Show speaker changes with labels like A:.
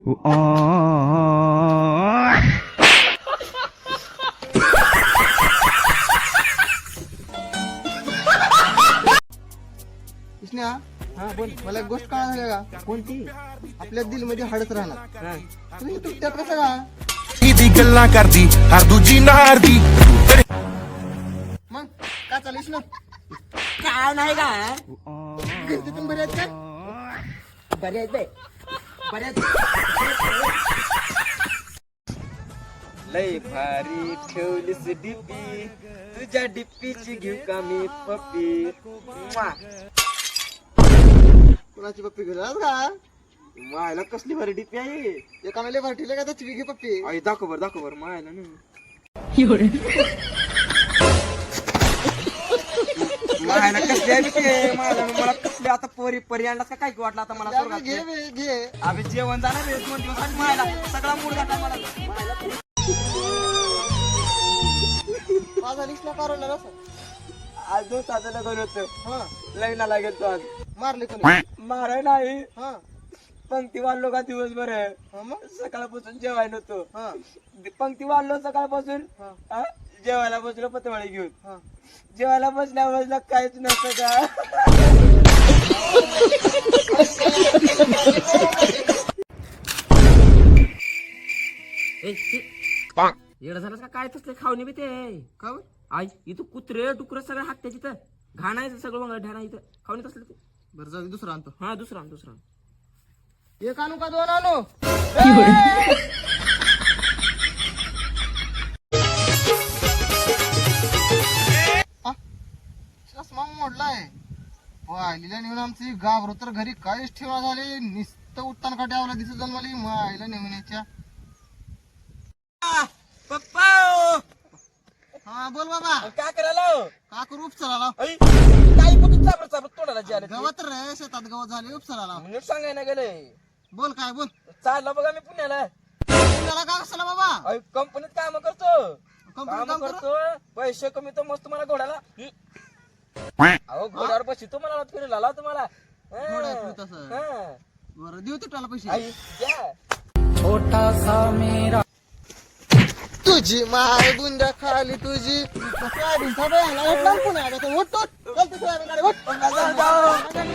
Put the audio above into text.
A: कृष्णा, हा बोल. मला एक गोष्ट कळाली झाली का? कोणती? आपल्या दिल मध्ये हाडच राहणार. तुम्ही तुमच्यात कसं का
B: दी गल्ला करदी हर दूजी नारदी
A: मग का चालीस ना?
C: काय नाही का
A: घरचे पण बरे आहेत का?
C: बरे आहेत बे बरे आहेत. लय भारी ठेवलीस डिप्पी तुझ्या डिप्पीची घेऊ का मी पप्पी.
A: कुणाची पप्पी घेऊन का?
C: मायला कसली भारी डिप्पी आहे.
A: एका मेले भर ठेवले का त्याची घे पप्पी.
C: आई दाखव बर मायला नाही मायला कसली आहे ते. मायला मला कसली आता परी आणला का काय वाटलं आता मला स्वर्गात.
A: घे बे, घे.
C: अबे जेवण जाणार रे 2 दिवस आणि मायला सगळा मूड घातला मला.
A: माझा लिस्ट नका रोवणार असं.
C: आज 2 तासाला लग्न होतं.
A: हा
C: लग्नाला गेलतो आज.
A: मारले कोणी?
C: मारा नाही
A: हा
C: पंक्ती वाढलो का दिवसभर.
A: हा मग
C: सकाळपासून जेवाय नव्हतो.
A: हा
C: पंक्ती वाढलो सकाळपासून.
A: हा
C: हा? जेवायला बसलो पतवाळी घेऊन.
A: हा
C: जेवायला बसल्या काहीच नसतं का. येडा झालास का काय तसले खावणे बी ते
A: का बरं?
C: आई इथं कुत्रे टुकरे सगळं हात त्याची तर घाणायचं सगळं मग ढाणा इथं खावणे तसलं ते.
A: बरं जाऊ दे, दुसरा आणतो.
C: हा दुसरा दुसरा
A: एक आणू का 2 आणू? आ, चष्मा मोडलाय. आईला नेऊन आमची गाभरू तर घरी काहीच ठेवा झाले. नुसतं उत्तान काट्यावला दिसत जाऊन मला आईला नेऊन याच्या.
C: पप्पा
A: हा बोल बाबा.
C: काय करायला
A: का करू? उपचाराला
C: काही पण चाबड तोडायला जे आले
A: गवत रे, शेतात गवत झाले. उपचाराला
C: म्हणजे सांगायला गेले.
A: बोल. काय बोल?
C: चालला बघा मी पुण्याला.
A: पुण्याला का कसला बाबा?
C: कंपनीत काम करतो.
A: कंपनीत
C: काम
A: काम
C: करतो पैसे कमी तो मस्त मला घोड्याला. अहो घोड्यावर बसतो मला फिरायला लावा तुम्हाला.
A: घोड्यावर फिरत असं.
C: हा.
A: बरं देऊ तुला पैसे.
C: आई द्या.
A: तुझी माय बुंदा खाली तुझी सोयाबीन पुण्याला उठ. चल तू सोयाबीन गाडी उठ.